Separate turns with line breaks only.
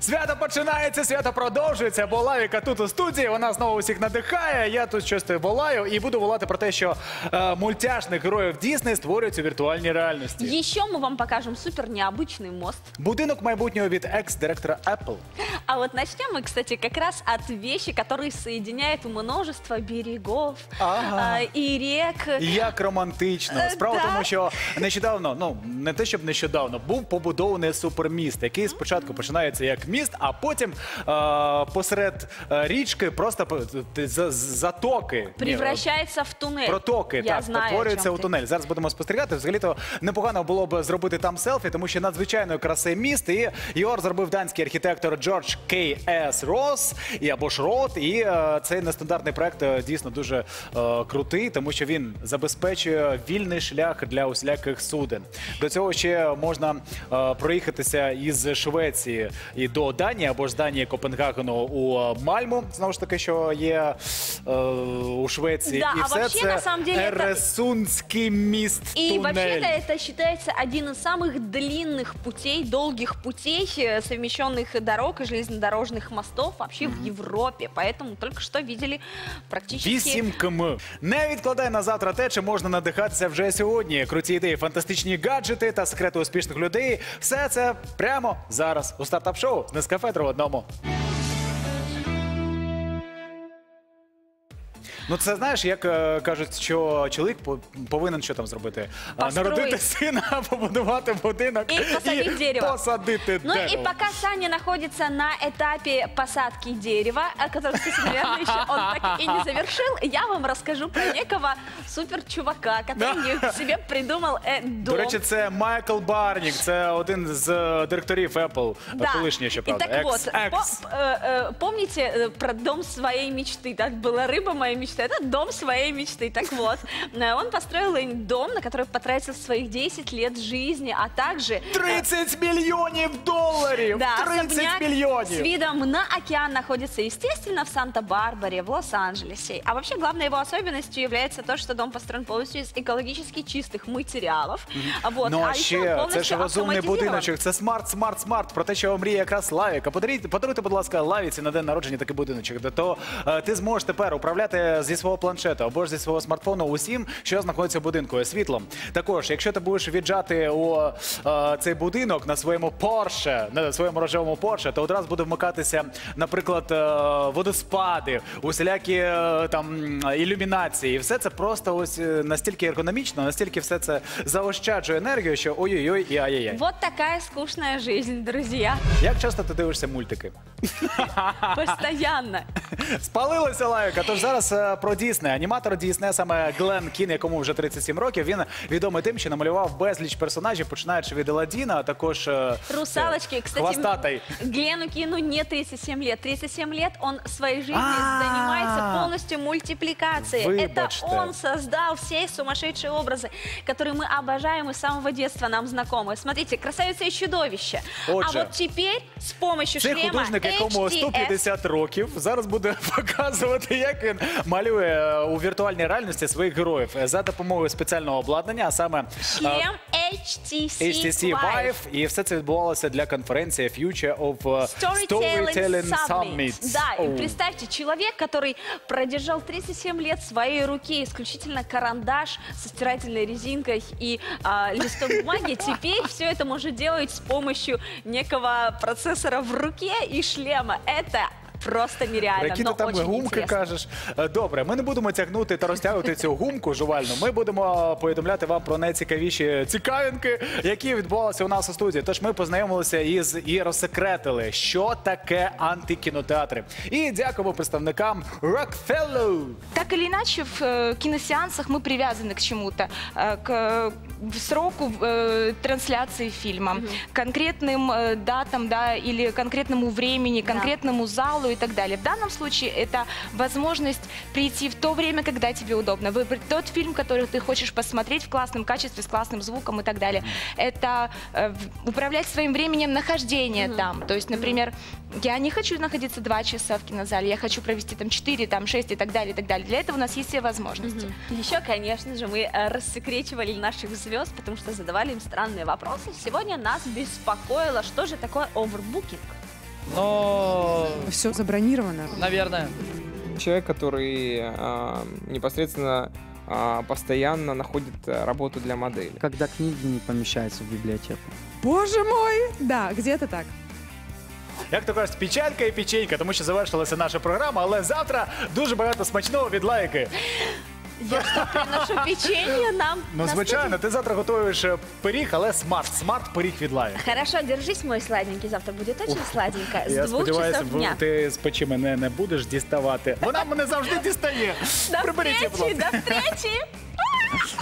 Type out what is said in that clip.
Свято починається, свято продовжується, бо Лавіка тут у студії, вона знову усіх надихає, я тут щось волаю і буду волати про те, що мультяшних героїв Дісней створюють у віртуальній реальності.
Еще мы вам покажем супер необычный мост.
Будинок майбутнього від екс-директора Apple.
А вот начнем мы, кстати, как раз от вещи, которые соединяют множество берегов и рек.
Як романтично. Справа в тому, що нещодавно, ну не те, щоб нещодавно, був побудований суперміст, який спочатку починається як міст, а потім посеред річки просто затоки.
Превращается в туннель.
Протоки,
Я
так,
знаю,
перетворюються у тунель. Зараз будемо спостерігати. Взагалі-то непогано було б зробити там селфі, тому що надзвичайної краси міст. І його зробив данський архітектор Джордж К.С. Росс, або ж Рот. І цей нестандартний проект дійсно дуже крутий, тому що він забезпечує вільний шлях для усіляких суден. До цього ще можна проїхатися із Швеції і до Данії, або ж з Данії Копенгагену у Мальму, знову ж таки, що є у Швеції.
Да,
і
а
все
вообще,
це
на самом деле,
Ересундський міст,
И
туннель.
вообще-то это считается один из самых длинных путей, долгих путей, совмещенных дорог и железнодорожных мостов вообще в Европе. Поэтому только что видели практически...
8 км. Не відкладай на завтра те, чим можна надихатися вже сьогодні. Круті ідеї, фантастичні гаджети та секрети успішних людей. Все це прямо зараз у стартап-шоу з Нескафе 3 в одному. Ну це знаєш, як кажуть, що чоловік повинен що там зробити? Народити сина, побудувати будинок
и посадить дерево.
посадити
Ну
дерево.
и пока Саня находится на этапе посадки дерева, который, кстати, наверное, еще он так и не завершил, я вам расскажу про некого супер-чувака, который себе придумал дом.
До речі, це Майкл Барнік, це один з директорів Apple, колишній, що правда.
И так вот, помните про дом своей мечты? Так была рыба моей мечты. Это дом своей мечты. Так вот, он построил дом, на который потратил своих 10 лет жизни, а также...
30 мільйонів доларів!
Да,
30
особняк
мільйонів!
с видом на океан находится, естественно, в Санта-Барбаре, в Лос-Анджелесе. А вообще, главной его особенностью является то, что дом построен полностью из экологически чистых материалов. Вот.
Ну а
еще
ще, це ж розумний
автоматизирован.
будиночок, це смарт. Про те, що мріє якраз Лавіка. Подаруйте, будь ласка, Лавіці на день народження такий будиночок. То ти зможеш тепер управляти зі свого планшета або ж зі свого смартфону усім, що знаходиться в будинку, світлом. Також, якщо ти будеш віджати у цей будинок на своєму Porsche, на своєму рожевому Porsche, то одразу буде вмикатися, наприклад, водоспади, усілякі там ілюмінації. І все це просто ось настільки ергономічно, настільки все це заощаджує енергію, що ой-ой-ой і ай-яй-яй.
Вот такая скучная жизнь, друзья.
Як часто ти дивишся мультики?
Постоянно.
Спалилася Лавіка, тож зараз про Дісней. Аніматор Діснея, саме Глен Кін, якому вже 37 років, він відомий тим, що намалював безліч персонажів, починаючи від Аладдіна, а також
Русалочки. Кстати,
хвостатой.
Глену Кину не 37 лет. 37 лет он своей жизнью занимается полностью мультипликацией. Это он создал все сумасшедшие образы, которые мы обожаем и с самого детства нам знакомы. Смотрите, красавица и чудовище. А вот теперь с помощью
цей
шлема
художник, якому 150 років, зараз буде показувати, як він малює у віртуальній реальності своїх героїв за допомогою спеціального обладнання, а саме
шлем HTC Vive.
І все це відбувалося для конференції Future of Storytelling Summit.
Да, и представьте, человек, который продержал 37 лет в своей руке исключительно карандаш со стирательной резинкой и листом бумаги, теперь все это может делать с помощью некого процессора в руке и шлема. Это просто нереально,
Які
но
ти там
очень
гумки
интересно.
кажеш? Добре, ми не будемо тягнути та розтягувати цю гумку жувальну. Ми будемо повідомляти вам про найцікавіші цікавинки, які відбувалися у нас у студії. Тож ми познайомилися і розсекретили, що таке антикінотеатри. І дякуємо представникам Rockefeller.
Так или иначе, в киносеансах мы привязаны к чему-то, к сроку трансляции фильма, конкретным датам, да, или конкретному времени, конкретному залу и так далее. В данном случае это возможность прийти в то время, когда тебе удобно, выбрать тот фильм, который ты хочешь посмотреть в классном качестве, с классным звуком и так далее. Это управлять своим временем нахождения там. То есть, например, я не хочу находиться 2 часа в кинозале, я хочу провести там 4, там 6 и так далее, и так далее. Для этого у нас есть все возможности.
Еще, конечно же, мы рассекречивали наших звезд, потому что задавали им странные вопросы. Сегодня нас беспокоило, что же такое овербукинг.
Но,
Все забронировано.
наверное,
Человек, который непосредственно постоянно находит работу для модели.
Когда книги не помещаются в библиотеку.
Боже мой! Да, где-то так.
Як то кажуть, печалька і печенька, тому що завершилася наша програма, але завтра дуже багато смачного від лайки.
Я что, приношу печенье нам?
Ну,
на
звичайно, ти завтра готуєш пиріг, але смарт пиріг від лайки.
студию? Хорошо, держись, мой сладенький. Завтра будет очень сладенько. С
Я
2
сподіваюся,
часов дня.
ти з печі мене не будеш діставати. Вона мене завжди дістає.
До
Приберіть її, будь
встречи,
ласка.
до встречи!